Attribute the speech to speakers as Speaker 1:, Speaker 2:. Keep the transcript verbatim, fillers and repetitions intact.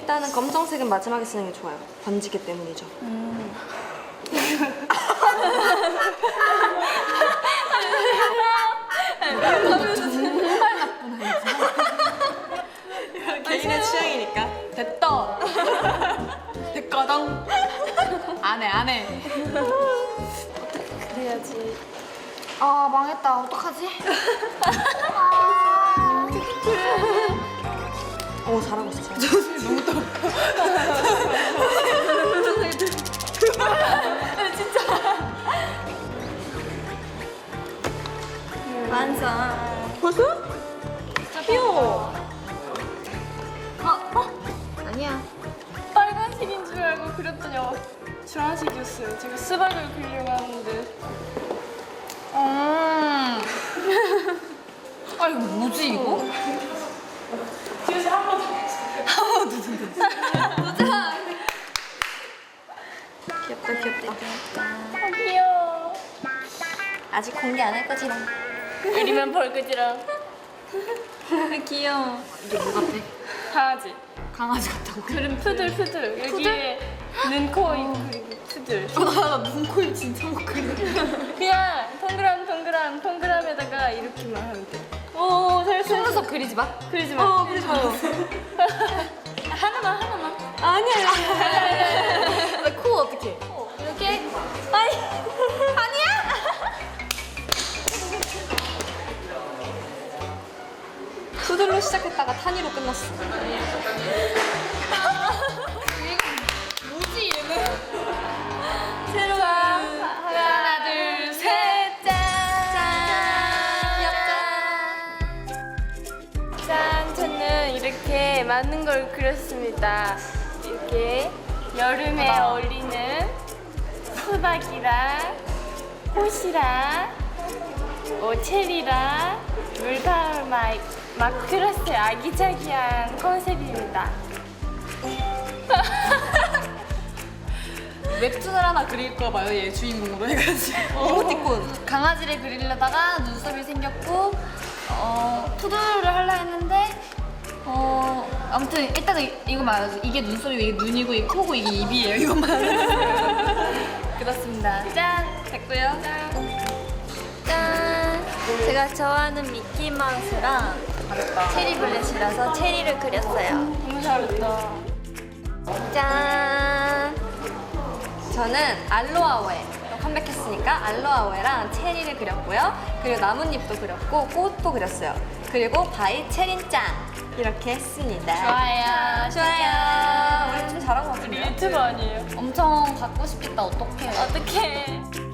Speaker 1: 일단은 검정색은 마지막에 쓰는 게 좋아요. 번지기 때문이죠.
Speaker 2: 음.
Speaker 1: 정말 나쁘네. 개인의 취향이니까.
Speaker 2: 됐다. 됐거든. 안해 안해.
Speaker 1: 그래야지.
Speaker 2: 아 망했다. 어떡하지?
Speaker 1: 오 잘하고 있어. 잘하고 있어.
Speaker 2: 너무 떨어.
Speaker 1: 완성. 벌써? 귀여워.
Speaker 2: 어? 아니야. 빨간색인 줄 알고 그렸더니 어, 주황색이었어요. 제가 수박을 그리려고 하는데. 음. 아 이거 뭐지 이거? 뒤에서 한 번 더. 한 번 더. 보자.
Speaker 1: 귀엽다 귀엽다.
Speaker 2: 아 귀여워.
Speaker 1: 아직 공개 안 할 거지랑.
Speaker 2: 그리면 벌그지랑
Speaker 1: 귀여워.
Speaker 2: 이게 뭐 같아? 강아지. 강아지 같다고? 그럼 푸들 푸들. 여기에 눈, 코, 입 그리고 푸들. 나 눈, 코, 입 진짜 못 그려. 그냥 동그란 동그란 동그라미에다가 이렇게만 하면 돼. 오, 잘했어. 속눈썹 그리지 마. 그리지 마.
Speaker 1: 어 그러지 마요.
Speaker 2: 하나만 하나만.
Speaker 1: 아니야 아니야.
Speaker 2: 코 어떻게? 이렇게? 아이 아니야?
Speaker 1: 푸들로 시작했다가 탄이로 끝났어.
Speaker 2: 뭐지 얘는? 새로운 하나 둘셋 짠! 짠! 짠! 저는 이렇게 많은 걸 그렸습니다. 이렇게 여름에 어울리는 수박이랑 꽃이랑 뭐 체리랑 물방울 막, 막 그렸어요. 아기자기한 컨셉입니다. 웹툰을 하나 그릴까 봐요. 얘 주인공으로 해가지고.
Speaker 1: 이모티콘.
Speaker 2: 강아지를 그리려다가 눈썹이 생겼고 어, 푸들을 하려 했는데 어, 아무튼 일단은 이거 말하죠. 이게 눈썹이고 이게 눈이고 이게 코고 이게 입이에요. 이것만 그렇습니다. 짠! 됐고요. 짠!
Speaker 3: 짠! 제가 좋아하는 미키마우스랑 체리 블렛이라서 체리를 그렸어요.
Speaker 2: 너무 잘했다.
Speaker 1: 짠. 저는 알로아오에 컴백했으니까 알로아오에랑 체리를 그렸고요. 그리고 나뭇잎도 그렸고 꽃도 그렸어요. 그리고 바이 체린짱 이렇게 했습니다.
Speaker 2: 좋아요.
Speaker 1: 좋아요. 우리 좀 잘한 것 같은데요?
Speaker 2: 유튜버 아니에요? 엄청 갖고 싶겠다. 어떡해. 어떡해.